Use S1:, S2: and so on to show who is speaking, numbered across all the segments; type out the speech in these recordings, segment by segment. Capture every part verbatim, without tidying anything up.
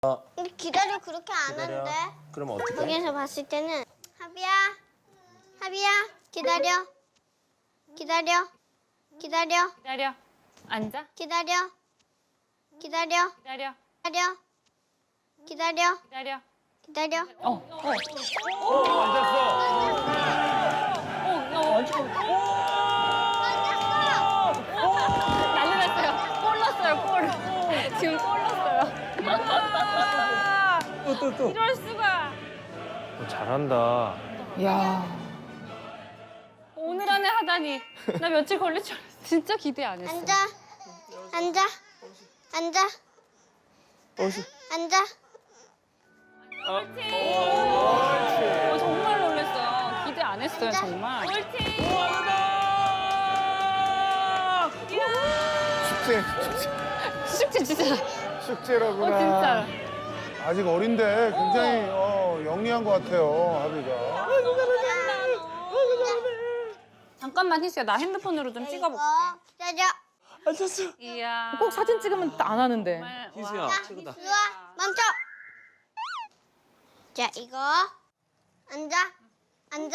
S1: 근데 기다려 그렇게 안
S2: 기다려.
S1: 한대.
S2: 그럼 어떻게?
S1: 여기서 봤을 때는 하비야, 하비야 기다려, 기다려, 기다려,
S3: 기다려. 앉아.
S1: 기다려, 기다려,
S3: 기다려.
S1: 기다려, 기다려,
S3: 기다려.
S1: 기다려.
S3: 어, 어.
S2: 앉았어.
S3: 난리 났어요. 골 났어요, 골. 지금 골 났어요.
S2: 또 또 또.
S3: 이럴 수가.
S2: 어, 잘한다.
S4: 야.
S3: 오늘 안에 하다니. 나 며칠 걸릴 줄 알았어. 진짜 기대 안 했어.
S1: 앉아, 앉아, 앉아, 앉아.
S3: 옳지. 어, 정말 놀랐어요. 기대 안 했어요, 정말. 옳지.
S5: 축제,
S3: 숙제 진짜.
S5: 축제라구나.
S3: 어, 진짜.
S5: 아직 어린데 굉장히 어, 영리한 것 같아요, 하비가.
S3: 잠깐만 희수야, 나 핸드폰으로 좀 찍어볼게.
S1: 기다려.
S3: 이야.
S4: 꼭 사진 찍으면 안 하는데.
S3: 정말,
S2: 희수야,
S3: 와.
S2: 최고다.
S1: 이리 와, 멈춰. 자, 이거 앉아, 앉아.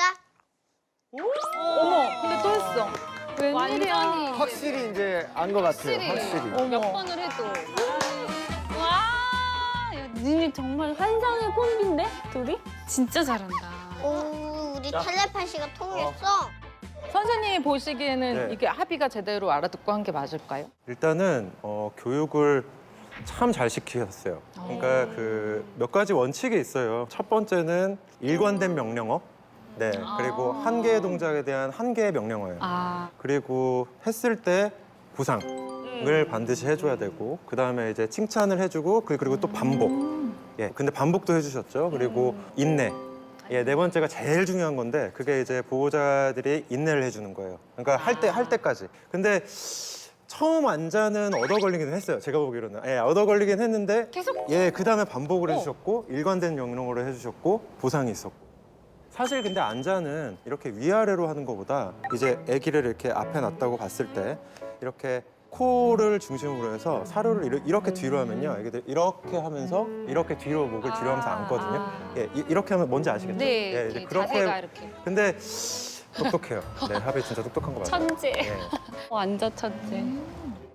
S4: 어머, 근데 또 했어. 웬일이야.
S3: 완전히
S5: 확실히 이제 안 것 같아요, 확실히.
S3: 몇
S4: 어머.
S3: 번을 해도. 와, 야, 니네 정말 환상의 콤비인데? 둘이? 진짜 잘한다.
S1: 오, 우리 텔레파시가 통했어.
S4: 선생님이 보시기에는
S6: 네.
S4: 이게 합의가 제대로 알아듣고 한 게 맞을까요?
S6: 일단은 어, 교육을 참 잘 시키셨어요. 그러니까 그 몇 가지 원칙이 있어요. 첫 번째는 일관된 명령어. 네. 그리고 한 개의 동작에 대한 한 개의 명령어예요.
S3: 아,
S6: 그리고 했을 때 보상을 반드시 해줘야 되고, 그 다음에 이제 칭찬을 해주고, 그- 그리고 또 반복. 예. 근데 반복도 해주셨죠. 그리고 인내. 예, 네 번째가 제일 중요한 건데 그게 이제 보호자들이 인내를 해주는 거예요. 그러니까 할 때 할 때까지. 근데 처음 앉아는 얻어 걸리긴 했어요. 제가 보기로는. 예, 얻어 걸리긴 했는데
S3: 계속?
S6: 예, 그 다음에 반복을 해주셨고 일관된 명령어를 해주셨고 보상이 있었고. 사실 근데 앉아는 이렇게 위아래로 하는 것보다 이제 아기를 이렇게 앞에 놨다고 봤을 때 이렇게 코를 중심으로 해서 사료를 이렇게, 이렇게 뒤로 하면요. 애기들 이렇게 하면서 이렇게 뒤로 목을 뒤로 하면서 앉거든요. 예, 이- 이렇게 하면 뭔지 아시겠죠?
S3: 네,
S6: 예,
S3: 이렇게 자세가 이렇게.
S6: 근데 똑똑해요. 네, 하비 진짜 똑똑한 거 맞아요.
S3: 천재.
S6: 예.
S3: 완전 천재.